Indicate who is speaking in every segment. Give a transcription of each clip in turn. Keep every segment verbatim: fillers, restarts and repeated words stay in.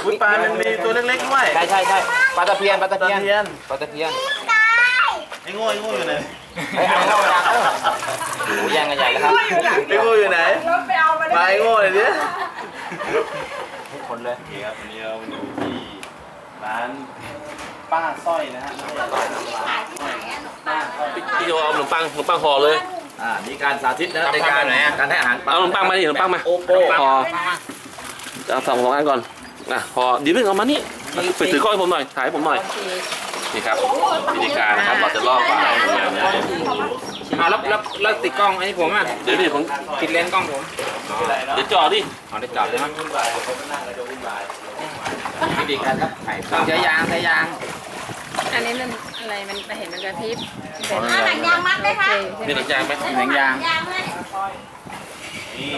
Speaker 1: อุ้ยปลามันมีตัวเล็กๆด้วย
Speaker 2: ใช่ใช่ใช่ปลาตะเพียนปลาตะ
Speaker 1: ตะ
Speaker 2: เพียน
Speaker 1: เพียน
Speaker 2: ปลาตะเพียน
Speaker 1: ไอ้โง่ไอ้โง่อยู่ไหน
Speaker 2: ไอ้เอาเข้ามาเออโอ้โหแย่งกันใหญ่แล้วครับ
Speaker 1: ไอ้โง่อยู่ไหนมาไอ้โง่เลยดิ
Speaker 2: ทุกคนเลย
Speaker 1: นี่ครับวันนี้เราอยู่ที่ร้านป้าสร้อยนะฮะไม่ใช่ร้านป้าสร้อยป้าสร้อย
Speaker 3: พี่โยเอาขนมปังขนมปังห่อเลย
Speaker 1: อ่ามีการสาธิตนะในการการให้อาหารปลา
Speaker 3: เอาขนมปังมาดิขนมปังมา
Speaker 1: โอโก้
Speaker 3: ห่อเอาสองสองอันก่อนอ่ะห่อเดี๋ยวเพิ่งเอามานี่ไปถือกล้องให้ผมหน่อยถ่ายให้ผมหน่อยนี่ครับวิธีการนะครับเราจะลอกปลาให้มันแบบนี้
Speaker 2: อ่าแล้วแล้วแล้วติดกล้องไอ้ผมอ่ะ
Speaker 3: เดี๋ยวนี่ผม
Speaker 2: ติดเลนส์กล้องผม
Speaker 3: เดี๋ยวจ่อดิ
Speaker 2: เอาได้จอดเลยมั้ย
Speaker 1: วุ่นวายเขานั่งแล้วจะวุ่นวาย
Speaker 2: วิธีการครับไข่ต้องใช้ยางใช้ยาง
Speaker 4: อันนี้มันอะไรมันเห็นมันกระพริบ
Speaker 5: อ่าหนังยางมัดไหมคะ
Speaker 3: มีหนังยางไหม
Speaker 2: หนังยาง
Speaker 5: ยางเลย
Speaker 1: นี่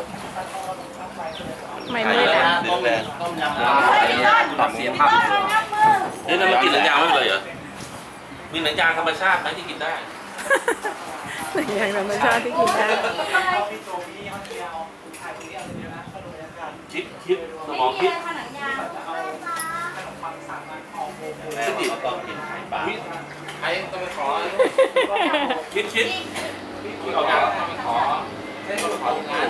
Speaker 4: ไม่
Speaker 3: ถ่าย
Speaker 4: มื
Speaker 3: เย
Speaker 4: ด
Speaker 3: อะ
Speaker 4: อ่ะ
Speaker 3: นะเดี๋ยวแรง
Speaker 1: ต้มยำ
Speaker 2: ปรับเสียงภาพ
Speaker 3: เฮ้ยนั่นมันกินหนังยางไม่เป็นไรเหรอมีหนังยางธรรมชาติไหมที่กินได้
Speaker 4: อย่างธรรมชาติที่กินได้
Speaker 3: คิดคิดสมองคิด
Speaker 5: หนังยาง
Speaker 1: คิดดิต้องกินไข่ปลา
Speaker 2: ใครต้องไปขอ
Speaker 3: คิดคิด
Speaker 2: เอายางต้องไปขอเส้นต้องไปขอที่งาน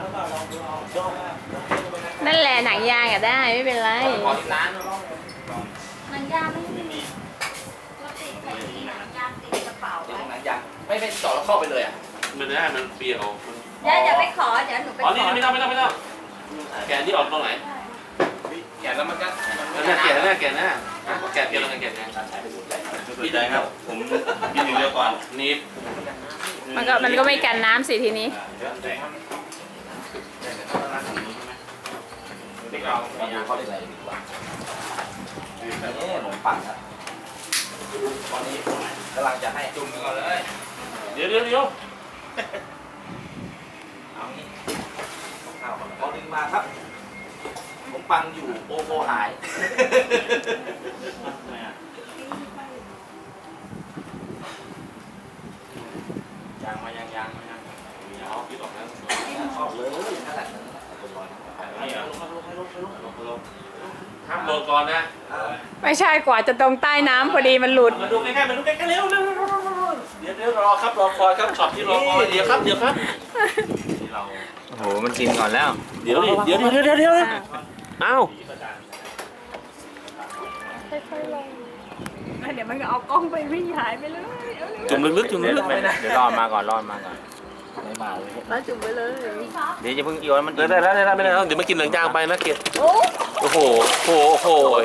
Speaker 4: นั่นแหละหนังยางอ่ะได้ไม่เป็นไร
Speaker 2: ขอที่ร้าน
Speaker 5: หนังยางไม่มีปกติใส่ที่หนังยางติดกระเป๋า
Speaker 2: ติด
Speaker 5: ไว้
Speaker 2: หนังยางไม่ไม่จอดแล้วเข้าไปเลยอ่ะ
Speaker 3: มันได้มันเปรี้ยว
Speaker 5: เดี๋ยวอย่าไปขอเดี๋ยวหนูไป
Speaker 3: อ๋อ
Speaker 5: ข
Speaker 3: นี่
Speaker 5: อ
Speaker 3: ไม่ต้องไม่ต้องไม่ต้องแกะที่ออกตรงไหน
Speaker 2: แกะแล้วมันก็
Speaker 3: แกะแกะหน้าแกะหน้าแกะเปรี้ยวแล้วกันแกะนะ
Speaker 1: ดีใจครับ ผมกินอยู่เดียวก่อน
Speaker 3: นี่
Speaker 4: มันก็มันก็ไม่กันน้ำสิทีนี้
Speaker 2: เด็กเราเอายางเข้าเลยดีกว่านี่ขนมปังครับตอนนี้กำลังจะให้จุ่มก่อนเลย
Speaker 3: เดี๋ยวเดี๋ยวเดี๋ยว
Speaker 2: เอางี้ข้าวพอดึงมาครับขนมปังอยู่โอโกหายยางมายังยางมายัง
Speaker 3: เอาคิดออกแล้ว
Speaker 2: เข้าเลยนั่นแหละ
Speaker 3: ห้ามโดนก่อนนะ
Speaker 4: ไม่ใช่กว่าจะตรงใต้น้ำพอดีมันหลุด
Speaker 3: มาดูใกล้ๆมาดูใกล้ๆเร็วเร็วเร็วเดี๋ยวเดี๋ยวรอครับรอคอยครับช็อตที่รอคอยเดี๋ยวครับเดี๋ยวครับ
Speaker 2: โอ้โหมันกินก่อนแล้ว
Speaker 3: เดี๋ยวดิเดี๋ยวเดี๋ยวเดี๋ยวเดี๋ยวอ้าว
Speaker 4: เดี๋ยวมันก็เอากล้องไปวิ่งหายไปเลย
Speaker 3: จุ่มลึกๆจุ่มลึกๆ
Speaker 2: เดี๋ยวรอมาก่อนรอมาก่อนไม่มาเลย
Speaker 4: แล้วจุ่มไปเลย
Speaker 2: เดี๋ยวจะเพิ่งโยนมัน
Speaker 3: ได้ได้ได้ได้ไม่ได้เดี๋ยวมากินหนังยางไปนะเกียรติโอ้โหโอ้โหโอ้โห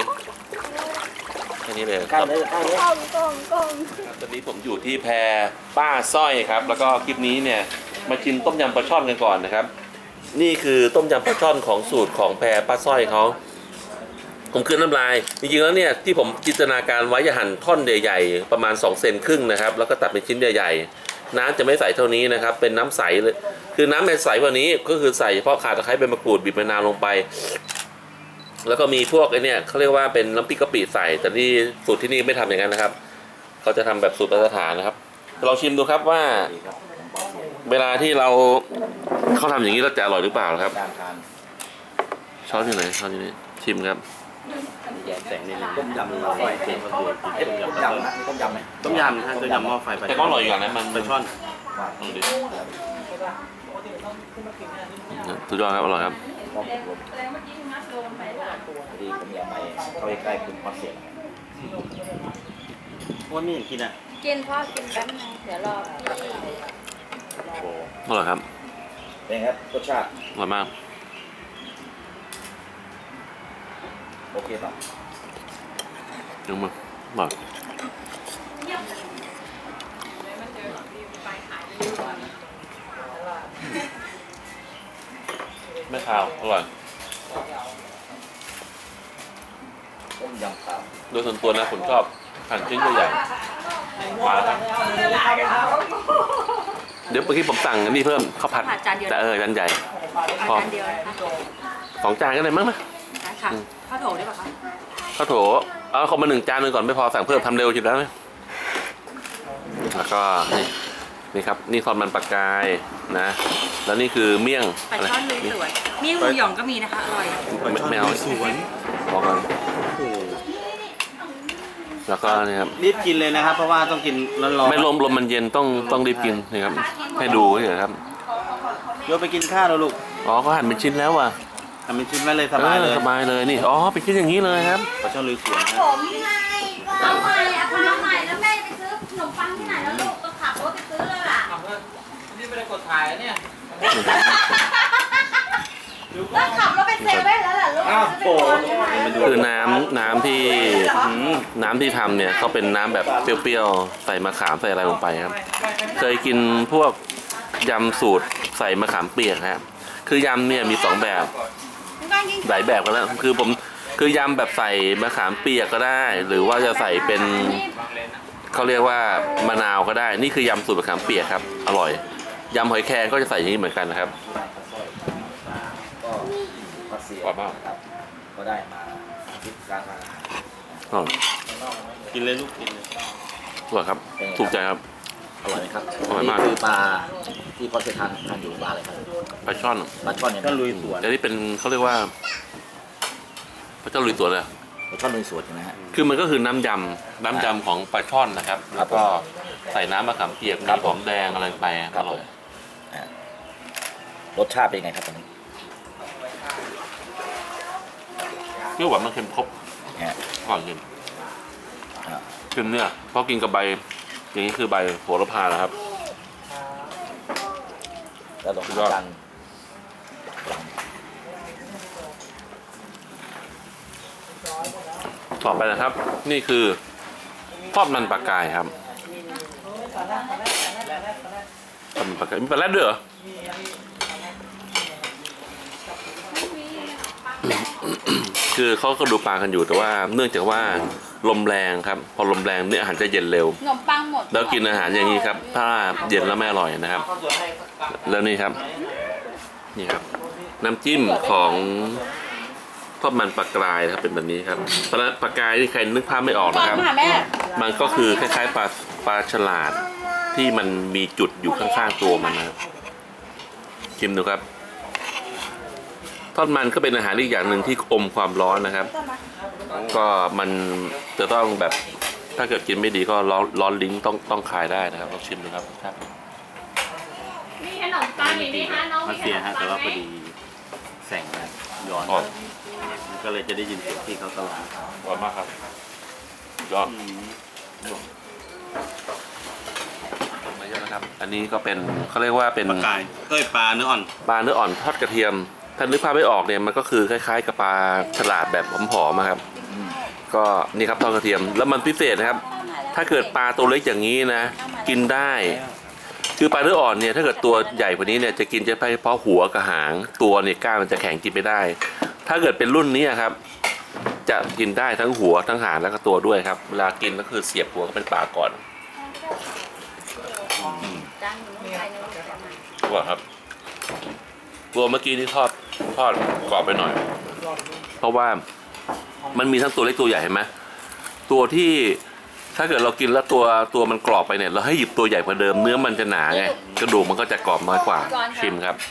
Speaker 3: แค่นี้เลย
Speaker 2: ใกล้เลยใกล้เลย
Speaker 4: กล้องกล้องกล้อง
Speaker 3: ตอนนี้ผมอยู่ที่แพป้าสร้อยครับ แล้วก็คลิปนี้เนี่ยมากินต้มยำปลาช่อนกันก่อนนะครับ นี่คือต้มยำปลาช่อนของสูตรของแพป้าสร้อยเขาผมคืนน้ำลายจริงๆแล้วเนี่ยที่ผมจินตนาการไว้จะหั่นท่อนใหญ่ๆประมาณสองเซนครึ่งนะครับแล้วก็ตัดเป็นชิ้นใหญ่ๆน้ำจะไม่ใส่เท่านี้นะครับเป็นน้ำใสเลยคือน้ำเป็นใสกว่านี้ก็คือใส่เฉพาะข่าตะไคร้ใบมะกรูดบีบมะนาวลงไป แล้วก็มีพวกไอ้เนี่ยเขาเรียกว่าเป็นน้ำพริกกะปิใส่แต่นี่สูตรที่นี่ไม่ทำอย่างนั้นนะครับเขาจะทำแบบสูตรมาตรฐานนะครับลองชิมดูครับว่า เวลาที่เราเขาทำอย่างนี้เราจะอร่อยหรือเปล่าครับ
Speaker 2: การทาน
Speaker 3: ช้อนอยู่ไหนช้อนอยู่นี่ชิมครับ
Speaker 2: แยกแสงนี่ต้มยำหม้อไฟเค็มเอ๊ะต้มยำนะต้มยำไหม
Speaker 1: ต้มยำนะฮะต้มยำหม้อไฟปลา
Speaker 3: แต่ก็อร่อยอยู่อย่างนั้นมัน
Speaker 1: ปลาช่อน
Speaker 3: ลองดูสุดยอดครับอร่อยครับ
Speaker 2: ดีผมอยากไปเข้าใกล้ๆคุณพอเสียง
Speaker 1: ว่าไม่เห็นกินอ่ะ
Speaker 5: กินพ่อกินแป๊บนึงเดี๋ยวรอ
Speaker 3: อร่อยครับ
Speaker 2: เป็นครับรสชาติ
Speaker 3: อร่อยมาก
Speaker 2: โอเคป่ะ
Speaker 3: ยกมืออร่อยไม่ขาวอร่อย
Speaker 2: ต้มยำขาว
Speaker 3: โดยส่วนตัวนะผมชอบหั่นชิ้นใหญ่ๆมาแล้วครับเดี๋ยวเมื่อกี้ผมสั่งอันนี้เพิ่มข้าวผัดแต่เออจานใหญ่พอ
Speaker 4: จานเดียวนะคะ
Speaker 3: สองจานก็ได้มั้งนะ
Speaker 4: ค่ะข้าวโถได้ปะคะ
Speaker 3: ข้าวโถเอาเขามาหนึ่งจานหนึงก่อนไม่พอสั่งเพิ่มทำเร็วอยู่แล้วนะแล้วก็นี่นี่ครับนี่ทอดมันปลากายนะ แล้วนี่คือเมี่ยง
Speaker 4: ปลาช่อนลุยสวนเมี่ยงลุงหยองก็มีนะคะอร่อย
Speaker 3: ไม่ไม่เอา
Speaker 1: สวน
Speaker 3: บอกกันแล้วก็นี่ครับ
Speaker 1: รีบกินเลยนะครับ เพราะว่าต้องกินร้อนๆ
Speaker 3: ไม่ลมลมมันเย็นต้องต้องรีบกินนี่ครับให้ดูเฉยๆครับ
Speaker 1: โยกไปกินข้าวแล้วลูก
Speaker 3: อ๋อก็หั่นเป็นชิ้นแล้วว่ะ
Speaker 1: ทำเป็นชิ้นไว้เลยสบายเลย
Speaker 3: ออสบายเลยนี่อ๋อเป็นชิ้นอย่างนี้เลยครับ
Speaker 1: ปลาช่อนลุยสวน
Speaker 5: ผ
Speaker 1: นะ
Speaker 5: มไงก็เอาใหม่อะพาใหม่แล้วแม่ไปซื้อขนมปังที่ไหนแล้วลูกก็ขับรถไปซื้อเลยล่ะ
Speaker 2: นี่ไม่ได้กดถ่ายเนี่ย
Speaker 5: ก็ขับรถไปเซเว่นแล้วล่ะลูกซื้อไปก่อนใช่ไหม
Speaker 3: คือน้ำน้ำที่อืมน้ำที่ทำเนี่ยเขาเป็นน้ำแบบเปรี้ยวๆใส่มะขามใส่อะไรลงไปครับ เคยกินพวกยำสูตรใส่มะขามเปียกครับคือยำเนี่ยมีสองแบบหลายแบบกันแล้วคือผมคือยำแบบใส่มะขามเปียกก็ได้ หรือว่าจะใส่เป็นเขาเรียกว่ามะนาวก็ได้ นี่คือยำสูตรมะขามเปียกครับอร่อยยำหอยแครงก็จะใส่อย่างนี้เหมือนกันนะครับ
Speaker 2: ก็มาเสีย
Speaker 3: กรอบมาก
Speaker 2: ครับก็ได้มาคิดการทานอาหาร
Speaker 3: อร่อย
Speaker 1: กินเลยลูกกินเลย
Speaker 3: อร่อยครับถูกใจครับ
Speaker 2: อร่อยไหมครับ
Speaker 3: อร่อยมาก
Speaker 2: นี่คือปลาที่พ่อเคยทานทานอยู่ปลาอะไรครับ
Speaker 3: ปลาช่อน
Speaker 2: ปลาช่อนเนี่ย
Speaker 1: ก็ลุยสวน
Speaker 3: อันนี้เป็นเขาเรียกว่าพระเจ้าลุยตัวเลยอะ
Speaker 2: ปลาช่อนลุยสวนใช่ไหมฮะ
Speaker 3: คือมันก็คือน้ำยำน้ำยำของปลาช่อนนะครับ แล้วก็ใส่น้ำมะขามเปียก
Speaker 2: ครั
Speaker 3: มี
Speaker 2: บ
Speaker 3: หอมแดงอะไรไปอร่อย
Speaker 2: อ่ารสชาติเป็นไงครับตอนนี้
Speaker 3: เปรี้ยวหวานมันเค็มครบ
Speaker 2: ฮะ
Speaker 3: ก่อนกิน
Speaker 2: อ่า
Speaker 3: กินเนี่ยเพราะกินกับใบอย่างนี้คือใบโหระพานะครับ
Speaker 2: แล้วลอง
Speaker 3: สุดยอด
Speaker 2: กัน
Speaker 3: ต่อไปนะครับ นี่คือทอดมันปลากายครับทอดมันปลากายมีปลาแรดด้วยเหรอ คือเขาก็ดูปลากันอยู่แต่ว่าเนื่องจากว่าลมแรงครับ พอลมแรงเนี่ยอาหารจะเย็นเร็ว
Speaker 5: ขนมปังหมด
Speaker 3: แล้วกินอาหารอย่างนี้ครับ ถ้าเย็นแล้วไม่อร่อยนะครับ แล้วนี่ครับ นี่ครับ น้ำจิ้มของทอดมันปลากรายนะครับเป็นแบบนี้ครับปลาปลากรายที่ใครนึกภาพไม่ออกนะครับ
Speaker 5: มาแม่
Speaker 3: มันก็คือคล้ายๆปลาปลาฉลาดที่มันมีจุดอยู่ข้างๆตัวมันนะครับชิมดูครับ ทอดมันก็เป็นอาหารอีกอย่างหนึ่งที่อมความร้อนนะครับ ก็มันจะต้องแบบถ้าเกิดกินไม่ดีก็ร้อนร้อนลิ้นต้องต้องคายได้นะครับลองชิมดูครับครับ
Speaker 4: มีขนมปังอีกไหมคะน้อง
Speaker 1: มา
Speaker 4: มีข
Speaker 1: เสีย
Speaker 4: นม
Speaker 1: ฮะ
Speaker 4: ปั
Speaker 1: แต่
Speaker 4: ง
Speaker 1: ว่า
Speaker 4: ไห
Speaker 1: พ
Speaker 4: ม
Speaker 1: อดีแสงนะย้อน
Speaker 3: อ๋อ
Speaker 1: มันก็เลยจะได้ยินเสียงที่เขาตลาด
Speaker 3: อร่อยมากครับยอดมาเยอะนะครับ อันนี้ก็เป็นเขาเรียกว่าเป็น
Speaker 1: ปลากายเอ้ยปลาเนื้ออ่อน
Speaker 3: ปลาเนื้ออ่อนทอดกระเทียมถ้านึกภาพไม่ออกเนี่ยมันก็คือคล้ายๆกับปลาฉลาดแบบผอมๆอะครับ ก็นี่ครับทอดกระเทียมแล้วมันพิเศษนะครับ ถ้าเกิดปลาตัวเล็กอย่างนี้นะ กินได้ คือปลาเนื้ออ่อนเนี่ยถ้าเกิดตัวใหญ่กว่านี้เนี่ยจะกินเฉพาะหัวกับหางตัวเนี่ยก้างมันจะแข็งกินไม่ได้ ถ้าเกิดเป็นรุ่นนี้ครับ จะกินได้ทั้งหัวทั้งหางแล้วก็ตัวด้วยครับ เวลากินก็คือเสียบหัวก็เป็นปลาก่อน
Speaker 5: จานหนูใส่ในรถจะมา
Speaker 3: ว่าครับ ตัวเมื่อกี้ที่ทอดทอดกรอบไปหน่อย เพราะว่ามันมีทั้งตัวเล็กตัวใหญ่เห็นไหมตัวที่ถ้าเกิดเรากินแล้วตัวตัวมันกรอบไปเนี่ยเราให้หยิบตัวใหญ่กว่าเดิมเนื้อมันจะหนาไงกระดูกมันก็จะกรอบน้อยกว่าชิมครับ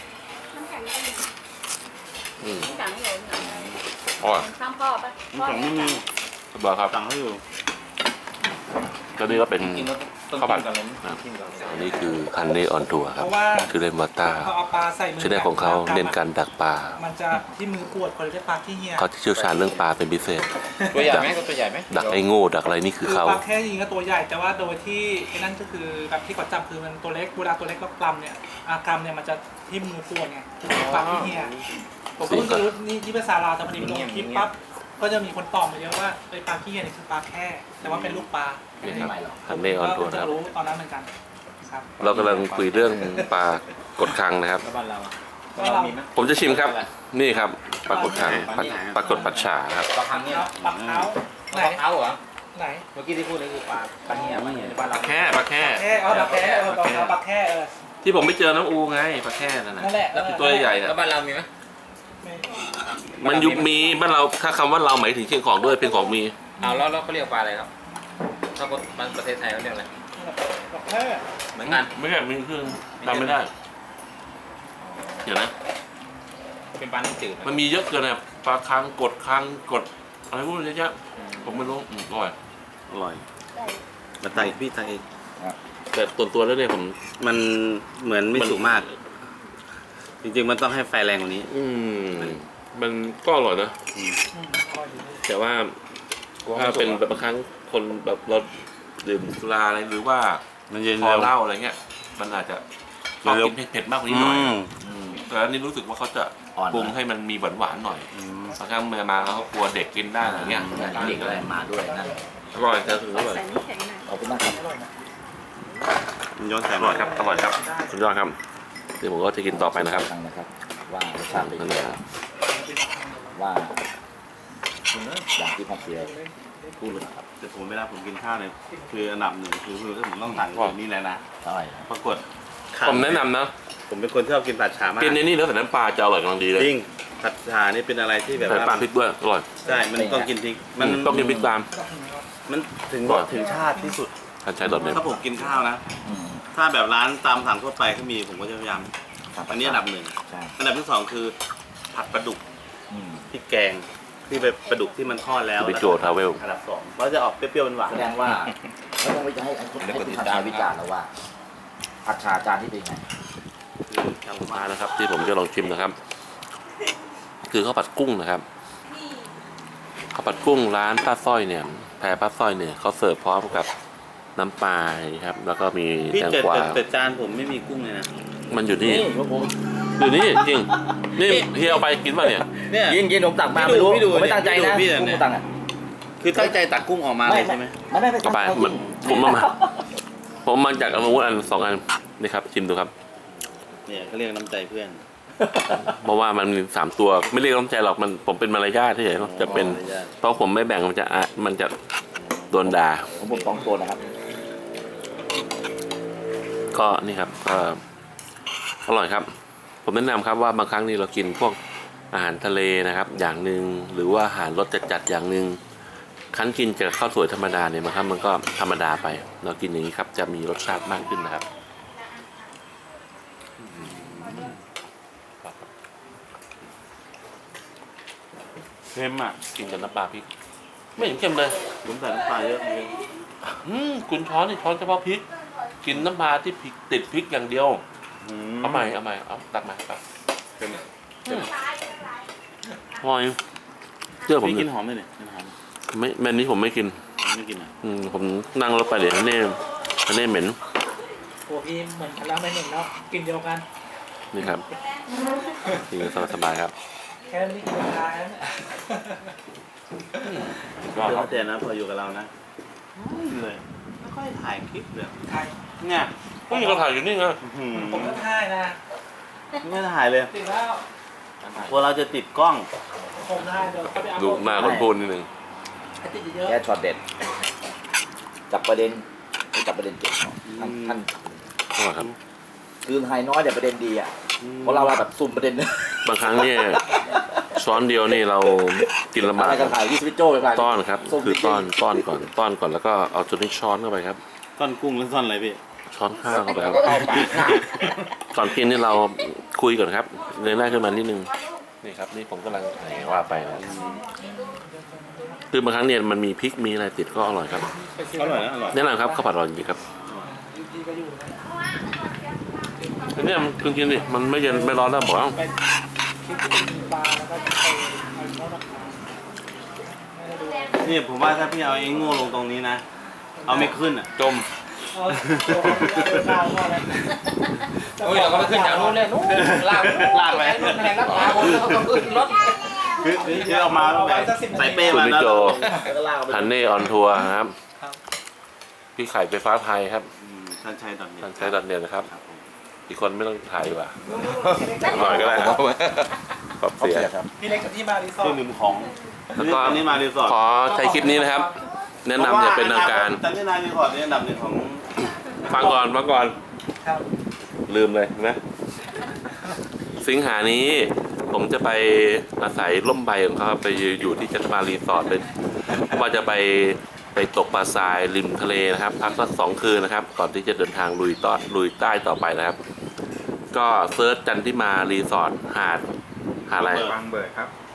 Speaker 3: อืม
Speaker 4: สั่งให้หนูสั่ง
Speaker 3: อ๋อ
Speaker 4: ข้างพ่อปะพ่อ
Speaker 1: สั่งไม่มี
Speaker 3: บอกครับ
Speaker 1: สั่งให้อยู่
Speaker 3: ตัวนี้ก็เป็น
Speaker 2: กินแล้วต้อง
Speaker 3: ข้าวผัด
Speaker 2: กินกันเลย
Speaker 3: ครับอันนี้คือคันนี้ออนทัวร์ครับ
Speaker 6: เพราะว่า
Speaker 3: คือเล่นวอตต้า
Speaker 6: พอเอาปลาใส่มื
Speaker 3: ชื่อแรกของเขาเน้นการดักปลา
Speaker 6: มันจะที่มือปวดคนเรียกปลาขี้เหี้ย
Speaker 3: เขาจะเชี่ยวชาญเรื่องปลาเป็นพิเศษ
Speaker 2: ตัวใหญ่ไหมตัวใหญ่ไหม
Speaker 3: ดักไอ้โง่ดักอะไรนี่คือ
Speaker 6: คือ
Speaker 3: เขา
Speaker 6: ปลาแค่ยิงก็ตัวใหญ่ แต่ว่าโดยที่ไอ้นั่นก็คือแบบที่เขาจับคือมันตัวเล็กเวลาตัวเล็กแล้วกลำเนี่ยอากรำเนี่ยมันจะที่มือปวดไงปลาขี้เหี้ยผมก็เพิ่งจะรู้นี่ที่ภาษาลาวแต่พอดีมันลงคลิปปั๊บก็จะมีคนตอบมาเยอะว่าไอ้ปลาขี้เหี้ยนี่คือปลาแค่แต่ว่าเป็นลูกปลา
Speaker 3: นี่ครับคันนี้ออนทัวร์
Speaker 6: ก็
Speaker 3: นะครับ
Speaker 6: จะรู้ตอนนั้นเหมือนกันครับ
Speaker 3: เรากำลังคุยเรื่องปลากดคังนะครับ
Speaker 2: แล้วบ้านเราอ่ะ
Speaker 6: ก็เรา
Speaker 2: มีไหม
Speaker 3: ผมจะชิมครับ นี่ครับปลากดคังปลาปลากดปัดฉาครับ
Speaker 2: ปลาคังเนี่ย
Speaker 6: ปลาเท้าไหน
Speaker 2: ปลาเท้าเหรอ
Speaker 6: ไหน
Speaker 2: เมื่อกี้ที่พูดเลยคือปลาปลาเหี้ยปลาเหี้ยบ้านเรา
Speaker 3: แค่ปลาแค่
Speaker 6: แค่เอาปลาแค่เออปลาเท้าปลาแค่เออ
Speaker 3: ที่ผมไปเจอน้ำอูไงปลาแค่นั่นนะ
Speaker 6: นั่นแหละ
Speaker 3: แล้วตัวใหญ่ๆนะ
Speaker 2: แล้วบ้านเรามีไหม
Speaker 6: ไม่
Speaker 3: มันยุคมีบ้านเราถ้าคำว่าเราหมายถึงเชียงของด้วยเป็นของมี
Speaker 2: เอาแล้วแล้วเขาเรียกปลาอะไรครับถ้าคนมันประเทศไทยเขาเรียกอะไร
Speaker 6: ปลาแค่
Speaker 2: เหมือนกัน
Speaker 3: ไม่ใช่มีเครื่องจำไม่ได้ เดี๋ยวนะ
Speaker 2: เป็นปลาน้ำจืด
Speaker 3: มันมีเยอะเกินนะปลาคังกดคังกดอะไรพวกนี้เยอะๆผมไม่รู้อืมอร่อย
Speaker 1: อร่อยมาไต่พี่ไต่อีก
Speaker 3: แต่ตัวตัวแล้วเนี่ยผม
Speaker 1: มันเหมือนไม่สุกมาก จริงๆมันต้องให้ไฟแรงกว่านี้
Speaker 3: อืมมันก็อร่อยนะ
Speaker 6: อืมอร่อยดี
Speaker 3: แต่ว่าถ้าเป็นแบบบางครั้งคนแบบเราดื่มสุราอะไรหรือว่า
Speaker 1: มันเย็น
Speaker 3: พอ
Speaker 1: เร็ว
Speaker 3: เหล้าอะไรเงี้ย มันอาจจะชอบ
Speaker 1: เร็ว
Speaker 3: กินเผ็ดๆมากกว่านี้หน่อย
Speaker 1: อืม
Speaker 3: อืมแต่อันนี้รู้สึกว่าเขาจะ
Speaker 2: อ่อน
Speaker 3: ปรุงให้มันมีหวานๆหน่อย
Speaker 1: อืม
Speaker 3: บางครั้งเมื่อมาเขากลัวเด็กกินได้อะไรเงี้ย
Speaker 2: เด็กอะไรมาด้วยนั่น
Speaker 3: อร่อยแต่ถึงอร่อย
Speaker 4: ใส่น้ำแข็งหน่อย
Speaker 2: ขอบคุณมากครับ
Speaker 6: อร่อยนะ
Speaker 1: มันย้อนแส
Speaker 3: อง ร่อยครับอร่อยครับสุดยอดครับเดี๋ยวผมก็จะกินต่อไปนะครับ
Speaker 2: ฟังนะครับ ว่ารสชาติเป็น
Speaker 3: นั่น
Speaker 2: ยัง
Speaker 3: แห
Speaker 2: ไง
Speaker 3: ละ
Speaker 2: ว่าอย่างที่พ่อเสียพูดเลยครับ
Speaker 1: แต่ผมเวลาผมกินข้าวเนี่ยคืออันดับหนึ่งคือคือผมต้องสั่งแบบนี้เลยนะ
Speaker 2: ใช่
Speaker 1: ปรากฏ
Speaker 3: ผมแนะนำนะ
Speaker 1: ผมเป็นคนที่ชอบกินผัดฉามาก
Speaker 3: กินในนี่แล้วใส่น้ำปลาจะอร่อยกำลังดีเลย
Speaker 1: จริงผัดฉานี่เป็นอะไรที่แบบ
Speaker 3: ใส่
Speaker 1: ว่า
Speaker 3: ปลาพริกด้วยอร่อย
Speaker 1: ใช่มันต้องกินพริกมัน
Speaker 3: ต้องกินพริกตาม
Speaker 1: มันถึง
Speaker 3: อร่อย
Speaker 1: ถึงชาติที่สุด
Speaker 3: ท่านใช้ดอทเน็ต
Speaker 1: ถ้าผมกินข้าวนะ
Speaker 2: อืม
Speaker 1: ถ้าแบบร้านตามสั่งทั่วไปก็มีผมก็จะพยายาม
Speaker 2: ครับ
Speaker 1: อันนี้อันดับหนึ่ง
Speaker 2: ใช่
Speaker 1: อันดับที่สองคือผัดปลาดุก
Speaker 2: อืม
Speaker 1: พริกแกงที่เป็นปลาดุกที่มันทอดแล้ว
Speaker 3: บิโจทราเวล
Speaker 1: อันดับสองเราจะออกเปรี้ยวๆหวาน
Speaker 2: แสดงว่าไม่ต้องไปจะให้ให้คุณให้คุณทำชาวิจารณ์แล้วว่าผัดชาจานที่เป็นไง
Speaker 1: ๆคือทำ
Speaker 3: มา
Speaker 1: มา
Speaker 3: นะครับ ที่ผมจะลองชิมนะครับ คือข้าวผัดกุ้งนะครับข้าวผัดกุ้งร้านป้าสร้อยเนี่ยแพรป้าสร้อยเนี่ยเขาเสิร์ฟพร้อมกับน้ำปลาครับ แล้วก็มี
Speaker 1: พี่
Speaker 3: แตง
Speaker 1: แต่
Speaker 3: กวา
Speaker 1: แต่แต่จานผมไม่มีกุ้งเลยนะ
Speaker 3: มันอยู่นี่
Speaker 2: นี่ผม
Speaker 3: อยู่นี่จริงนี่เฮียเอาไปกินป่ะเนี่ย
Speaker 1: เนี่ย
Speaker 2: ยินยินผมตักมา
Speaker 1: พี่ดู
Speaker 2: ไม่รู้
Speaker 1: พี่ดู
Speaker 2: ผมไม่ตั้งใจนะ
Speaker 1: พี่ดู
Speaker 2: ผม
Speaker 1: เนี่ย
Speaker 2: ไม่ตังค์อ่ะ
Speaker 1: คือตั้งใจตักกุ้งออกมาเลยใช่ไหม
Speaker 2: ไม่ไม่ไม่
Speaker 3: ก็ไป
Speaker 2: ตั้งใจ
Speaker 3: มันผมมามาผมมาจากอนุวุธอันสองอันนี่ครับชิมดูครับ
Speaker 1: เนี่ยเขาเรียกน้ำใจเพื่อน
Speaker 3: เพราะว่ามันมีสามตัวไม่เรียกน้ำใจหรอกมันผมเป็นมารยาทที่ไหนจะเป็น
Speaker 1: มารยาท
Speaker 3: เพราะผมไม่แบ่งมันจะอ่ะมันจะโดนด่า
Speaker 2: ผมผมสองตัวนะครับ
Speaker 3: ก็นี่ครับก็อร่อยครับ ผมแนะนำครับว่าบางครั้งนี่เรากินพวกอาหารทะเลนะครับ อย่างหนึ่งหรือว่าอาหารรสจัดๆอย่างหนึ่งครั้นกินกับข้าวสวยธรรมดาเนี่ยบางครั้งมันก็ธรรมดาไป เรากินอย่างนี้ครับจะมีรสชาติมากขึ้นนะครับเค็มอ่ะกินกับน้ำปลาพริก ไม่เห็นเค็มเลย
Speaker 1: ผมใส่น้ำปลาเยอะเลย
Speaker 3: อืมคุณช้อนนี่ช้อนเฉพาะพริก กินน้ำปลาที่พริกติดพริกอย่างเดียวเอาใหม่เอาใหม่เอาตักมาตัก
Speaker 1: เป็นไง
Speaker 3: อร่อยเชื่อผม
Speaker 1: พี่
Speaker 3: ดิ
Speaker 1: กินหอมไหมเนี่ยกินหอม
Speaker 3: ไม่แมนนี้ผมไม่กิน
Speaker 1: ไม่กินอ่ะ
Speaker 3: อืมผมนั่งรถไปเดี๋ยวเน่เน่เหม็น
Speaker 6: โอ้พี่เหมือนกันแล้วไม่เหม็นแล้วกินเดียวกัน
Speaker 3: นี่ครับกินสบายๆครับ
Speaker 6: แค่ไม่ได้กินร้าน
Speaker 3: ก็ค
Speaker 1: แล้
Speaker 3: รั
Speaker 1: ว
Speaker 3: บ
Speaker 1: แต่นะพออยู่กับเรานะไม่เลยไม่ค่อยถ่ายคลิปเลย
Speaker 6: ใคร
Speaker 1: เนี่ย
Speaker 3: ก็มีกระถางอยู่นี่ไง
Speaker 1: อื้อหือ
Speaker 6: ผมก็ท่ายนะ
Speaker 1: ไม่ถ่ายเลย
Speaker 6: ติดแล้ว
Speaker 1: กลัวเราจะติดกล้อง
Speaker 6: ผมท่ายเดี๋ยวเขาไปเอา
Speaker 3: ดูหน้าคนพูดนิดนึง
Speaker 6: ให้ติดเยอะ
Speaker 2: แค่ช็อตเด็ด จับประเด็นไม่จับประเด็นเก่งท่านท่าน
Speaker 3: อร่อยครับ
Speaker 2: คือไฮน้อยแต่ประเด็นดีอ่ะเพราะเราแบบซุ่มประเด็น
Speaker 3: บางครั้งเนี่ยช้อนเดียวนี่เรากินลำบาก
Speaker 2: อะไรกันถ่ายที่สวิตโจ้ไปไป
Speaker 3: ต้อนครับ
Speaker 2: ซุ่ม
Speaker 3: คือ
Speaker 2: จริงๆ
Speaker 3: ต้อนต้อนก่อนต้อนก่อนแล้วก็เอาจุดนี้ช้อนเข้าไปครับ
Speaker 1: ซ่อนกุ้งหรือซ่อนอะไรพี่
Speaker 3: ช้อนข้าวเข้าไปครับก่อนกินนี่เราคุยก่อนครับเงยหน้าขึ้นมานิดนึงนี่ครับนี่ผมกำลังไหนว่าไปนะคือบางครั้งเนี่ยมันมีพริกมีอะไรติดก็อร่อยครับ
Speaker 1: อร่อยนะอร่อย
Speaker 3: แนะนำครับข้าวผัดอร่อยจริงๆครับ
Speaker 6: ดีก็อยู่นะ
Speaker 3: อันนี้มันกินกินดิมันไม่เย็นไม่ร้อนแล้วบอกว่า
Speaker 6: ไปคลิปที่เป็นปลาแล้วก็ไปเอาทอดราคาไม่ได้ดู
Speaker 1: นี่ผมว่าถ้าพี่เอาไอ้โง่ลงตรงนี้นะ เอาไม่ขึ้นอ่ะ
Speaker 3: จม
Speaker 6: เออตัวเขาเป็นข้าวทอดเลย
Speaker 2: โอ้ยเราก็ไปขึ้นจากนู้นเลยนู้นลาก
Speaker 1: ลากไป
Speaker 2: นู้นแหงรับตาคนแล้วก็ขึ้นรถ
Speaker 1: คือคือเอามาแบบใส่เป้
Speaker 3: คุณ
Speaker 1: มา
Speaker 3: นิ
Speaker 1: แล้ว
Speaker 3: โจ
Speaker 2: แล้วก็ลากไป
Speaker 3: ฮันเน่ออนทัวร์ครับ
Speaker 6: ครับ
Speaker 3: พี่ไข่ไฟฟ้าไทยครับ
Speaker 1: อืมท่านชัยตอนนี้
Speaker 3: ท่านใช้ดันเดียนนะครับ
Speaker 1: ครับผม
Speaker 3: อีกคนไม่ต้องถ่ายดีกว่าหน่อยก็ได้ครับขอบ
Speaker 2: เขา
Speaker 3: เสีย
Speaker 2: เสียครับ
Speaker 6: พี่เล็กกับที่มารีสอ
Speaker 1: เครื่
Speaker 6: ร์
Speaker 1: อง
Speaker 6: ท
Speaker 1: ดื่มของ
Speaker 3: แล้วก็
Speaker 1: อันนี้มารีสอร์ท
Speaker 3: ขอใช้คลิปนี้นะครับ แนะนำอย่าเป็นทางการ
Speaker 1: แต่นี่นารีสอร์ทนี่อันดับหนึ่งของ
Speaker 3: ฟังก่อนฟังก่อน
Speaker 6: ครับ
Speaker 3: ลืมเลยนะ สิงหานี้ผมจะไปอาศัยร่มใบของเขาครับไปอยู่ที่จันทมารีสอร์ทเลยว่าจะไปไปตกปลาทรายริมทะเลนะครับ พักสักสองคืนนะครับ ก่อนที่จะเดินทางลุยต้อนลุยใต้ต่อไปนะครับ ก็เซิร์ชจันทิมารีสอร์ทหาดหาดอะไร
Speaker 7: บางเบิดครับ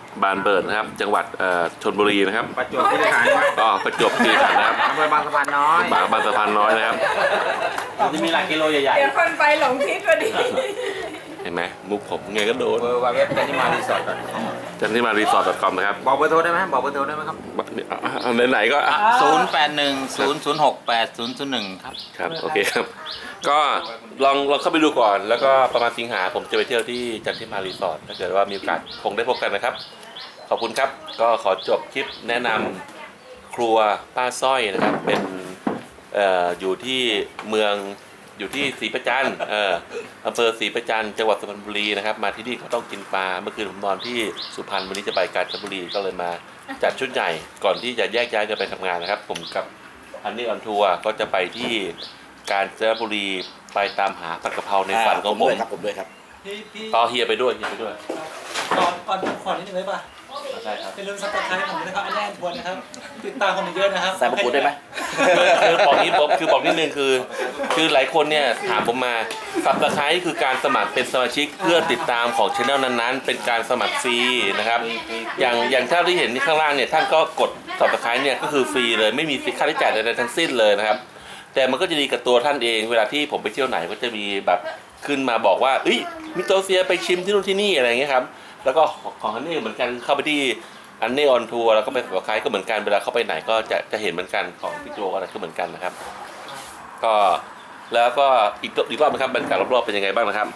Speaker 3: บานเบิร์ดนะครับ จังหวัดเอ่อชลบุรีนะครับ
Speaker 2: ประจวบคีรีขันธ์
Speaker 3: ก็ประจวบคีรีขันธ์นะครับ
Speaker 2: อำเภอบางสะพานน้อย
Speaker 3: บางบางสะพานน้อยนะครับ
Speaker 1: มันจะมีหลักกิโลใหญ่
Speaker 4: เดี๋ยวคนไปหลงทิศพอดี
Speaker 3: เห็นไหมมุกผมไงก็โดน
Speaker 2: เบอร์ว่าเว็บจันทิมารีสอร์ท
Speaker 3: จันที่มารีสอร์ท .com นะครับ
Speaker 2: บอกเบอร์โทรได้ไหมบอกเบอร์โทรได้ไหมครับ
Speaker 3: เอาไหนๆก็อ่ะ
Speaker 2: ศูนย์แปดหนึ่งศูนย์ศูนย์หกแปดศูนย์ศูนย์หนึ่งครับ
Speaker 3: ครับโอเคครับ ก็ลองลองเข้าไปดูก่อน แล้วก็ประมาณสิงหาผมจะไปเที่ยวที่จันทิมารีสอร์ทถ้าเกิดว่ามีโอกาสคงได้พบกันนะครับ ขอบคุณครับ ก็ขอจบคลิปแนะนำครัวป้าสร้อยนะครับ เป็นเอ่ออยู่ที่เมืองอยู่ที่ศรีประจันทร์เอ่ออำเภอศรีประจันทร์จังหวัดสุพรรณบุรีนะครับ มาที่นี่เขาต้องกินปลาเมื่อคืนผมนอนที่สุพรรณวันนี้จะไปกาญจนบุรีก็เลยมาจัดชุดใหญ่ก่อนที่จะแยกย้ายกันไปทำงานนะครับ ผมกับอันนี้ออนทัวร์ก็จะไปที่กาญจนบุรีไปตามหาผัดกะเพราในฝันของผม
Speaker 2: ผมด้วยครับ
Speaker 6: พี่พี่
Speaker 3: ต่อเฮียไปด้วยเฮียไปด้วย
Speaker 6: ก่อนก่อนขอนิดนึงได้ป่ะ
Speaker 3: ใช่ครับ
Speaker 6: อย่าลืมซับสไครต์ผมด้วยนะครับอันแรกทวนนะครับติดตามผมเยอะนะครับ
Speaker 2: ใส่มะกรูดได้ไหม
Speaker 3: คือบอกนี้ผมคือบอกนิดนึงคือ คือหลายคนเนี่ยถามผมมาสับตะไคร้คือการสมัครเป็นสมาชิกเพื่อติดตามของช่องนั้นๆ เป็นการสมัครฟรีนะครับ อย่างอย่างท่านที่เห็นที่ข้างล่างเนี่ยท่านก็กดสับตะไคร้เนี่ยก็คือฟรีเลยไม่มีค่าใช้จ่ายใดๆทั้งสิ้นเลยนะครับ แต่มันก็จะดีกับตัวท่านเองเวลาที่ผมไปเที่ยวไหนก็จะมีแบบขึ้นมาบอกว่าเอ้ยมิโตเซียไปชิมที่นู่นที่นี่อะไรอย่างเงี้ยครับแล้วก็ของอันนี้เหมือนกันเข้าไปที่อันนี้ออนทัวร์แล้วก็ไปสับตะไคร้ก็เหมือนกันเวลาเข้าไปไหนก็จะจะเห็นเหมือนกันของพี่โจอะไรก็เหมือนกันนะครับ ก็แล้วก็อีกอีกรอบนะครับบรรยากาศรอบๆเป็นยังไงบ้างนะครับ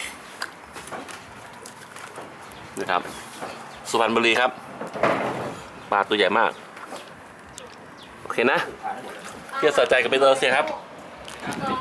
Speaker 3: นะครับสุพรรณบุรีครับปลาตัวใหญ่มากโอเคนะเที่ยวสะใจกับไปตัวเสียครับ